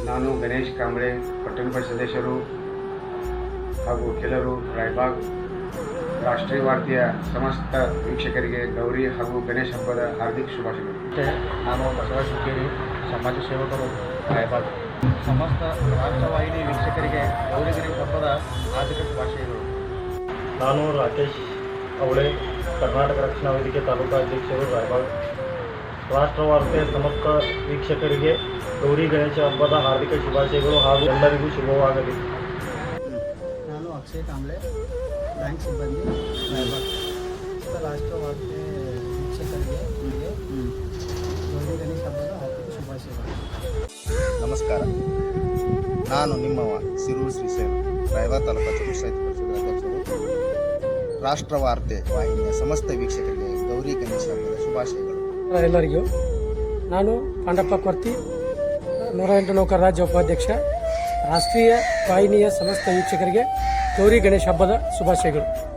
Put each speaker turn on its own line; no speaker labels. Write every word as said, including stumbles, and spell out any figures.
ನಾನು ಗಣೇಶ್ ಕಾಂಬ್ಳೆ ಪಟ್ಟಣ ಪರಿಷತ್ ಸದಸ್ಯರು ಹಾಗೂ ಕೆಲವರು ರಾಯಬಾಗ್ ರಾಷ್ಟ್ರೀಯ ವಾರ್ತೆಯ ಸಮಸ್ತ ವೀಕ್ಷಕರಿಗೆ ಗೌರಿ ಹಾಗೂ ಗಣೇಶ ಹಬ್ಬದ ಹಾರ್ದಿಕ ಶುಭಾಶಯಗಳು.
ನಾನು ಬಸವ ಶುಕೇರಿ ಸಮಾಜ ಸೇವಕರು ರಾಯಬಾಗ್ ಸಮಸ್ತ ರಾಷ್ಟ್ರವಾಹಿನಿ ವೀಕ್ಷಕರಿಗೆ ಗೌರಿ ಗಣೇಶ ಹಬ್ಬದ ಹಾರ್ದಿಕ ಶುಭಾಶಯಗಳು.
ನಾನು ರಾಕೇಶ್ ಅವಳೆ ಕರ್ನಾಟಕ ರಕ್ಷಣಾ ವೇದಿಕೆ ತಾಲೂಕಾ ಅಧ್ಯಕ್ಷರು ರಾಯಬಾಗ್. ರಾಷ್ಟ್ರವಾರ್ತೆಯ ಸಮಸ್ತ ವೀಕ್ಷಕರಿಗೆ ಗೌರಿ ಗಣೇಶ ಹಬ್ಬದ ಹಾರ್ದಿಕ ಶುಭಾಶಯಗಳು ಹಾಗೂ ಎಲ್ಲರಿಗೂ ಶುಭವಾಗಲಿ.
ನಾನು ಅಕ್ಷಯ್ ಕಾಂಬ್ಳೆ ಬ್ಯಾಂಕ್ ಸಿಬ್ಬಂದಿ ರಾಯಬಾಗ್. ರಾಷ್ಟ್ರವಾರ್ತೆ ವೀಕ್ಷಕರಿಗೆ ನಿಮಗೆ ಗೌರಿ ಗಣೇಶ ಹಬ್ಬದ ಹಾರ್ದಿಕ ಶುಭಾಶಯಗಳು.
ನಮಸ್ಕಾರ, ನಾನು ನಿಮ್ಮವ ಸಿರೂರು ಶ್ರೀಶೈಲ ರಾಯಬಾಗ್ ತಾಲೂಕಾ ಪಂಚಾಯತ್ ಪರಿಷತ್ ಅಧ್ಯಕ್ಷರು. ರಾಷ್ಟ್ರವಾರ್ತೆ ವಾಹಿನಿಯ ಸಮಸ್ತ ವೀಕ್ಷಕರಿಗೆ ಗೌರಿ ಗಣೇಶ ಹಬ್ಬದ ಶುಭಾಶಯಗಳು.
ಎಲ್ಲರಿಗೂ ನಾನು ಪಾಂಡಪ್ಪ ಕೊರ್ತಿ ನೂರ ಎಂಟು ನೌಕರ ರಾಜ್ಯ ಉಪಾಧ್ಯಕ್ಷ. ರಾಷ್ಟ್ರೀಯ ವಾಹಿನಿಯ ಸಮಸ್ತ ವೀಕ್ಷಕರಿಗೆ ಗೌರಿ ಗಣೇಶ ಹಬ್ಬದ ಶುಭಾಶಯಗಳು.